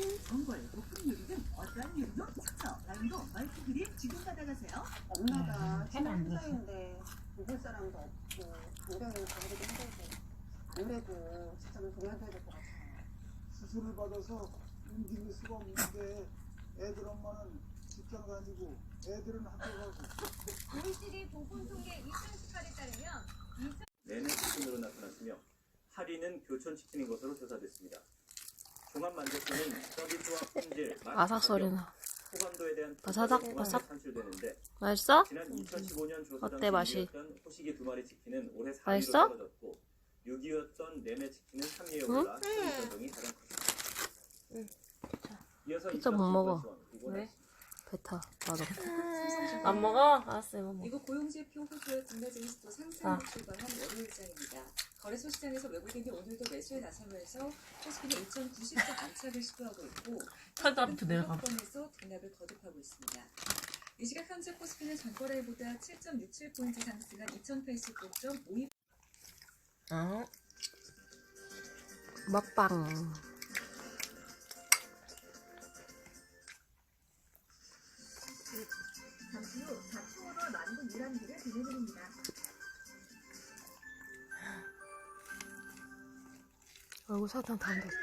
전골, 볶음 요리 등 어떠한 요리도 추천. 라운도 멀티그릴 지금 받아가세요. 엄마가 해면 안 되지. 혼자인데 먹을 사람도 없고 간병인 가기도 힘들고 아무래도 직장을 그만둬야 될 것 같아요. 수술을 받아서 움직일 수가 없는데 애들 엄마는 직장 다니고 애들은 학교 가고. OECD 보건통계 2018에 따르면 내내 치킨으로 나타났으며 할인은 교촌 치킨인 것으로 조사됐습니다. 종합 만족도는 서비스와 품질, 맛, 아삭소리나. 호감도에 대한 바사삭, 평가를 바삭. 산출되는데 맛있어? 지난 2015년 조사 어때, 당시 맛이? 1위였던 호식이 2마리 치킨은 올해 4위로 맛있어? 떨어졌고 6위였던 내내 치킨은 3위에 올라 소비 전동이 가장 컸습니다. 이어서 피자 못 먹어. 왜? 배타. 맞아. 안 먹어? 알았어, 이거 먹어. 미국 고용지표 호주의 국내 증시도 상승으로 출발한 월요일장입니다. 거래소 시장에서 외국인이 오늘도 매수에 나서면서 코스피는 2,090점 안착을 시도하고 있고 팔다리부터 내려가. 에서 등락을 거듭하고 있습니다. 이 시각 현재 코스피는 전거래일보다 7.67포인트 상승한 2,089.52. 어? 먹방. 잠시 후 자충으로 만국 유람기를 보내드립니다. 얼굴 사탕 다 묻었어.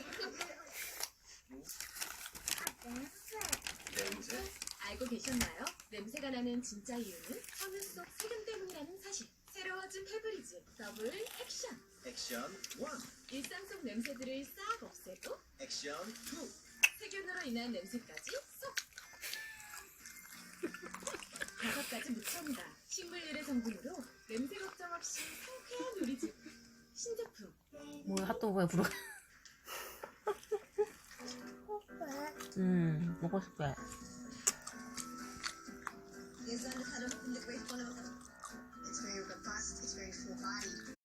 냄새? 알고 계셨나요? 냄새가 나는 진짜 이유는 섬유 속 세균 때문이라는 사실. 새로워진 페브리즈 더블 액션. 액션 1, 일상 속 냄새들을 싹 없애고 액션 2. 세균으로 인한 냄새까지 쏙. 5가지 무첨가 식물유래 성분으로 냄새 걱정 없이 상쾌한 요리집. 신제품. 뭐야, 핫도그에 불어. 먹고 싶대. 예전 하루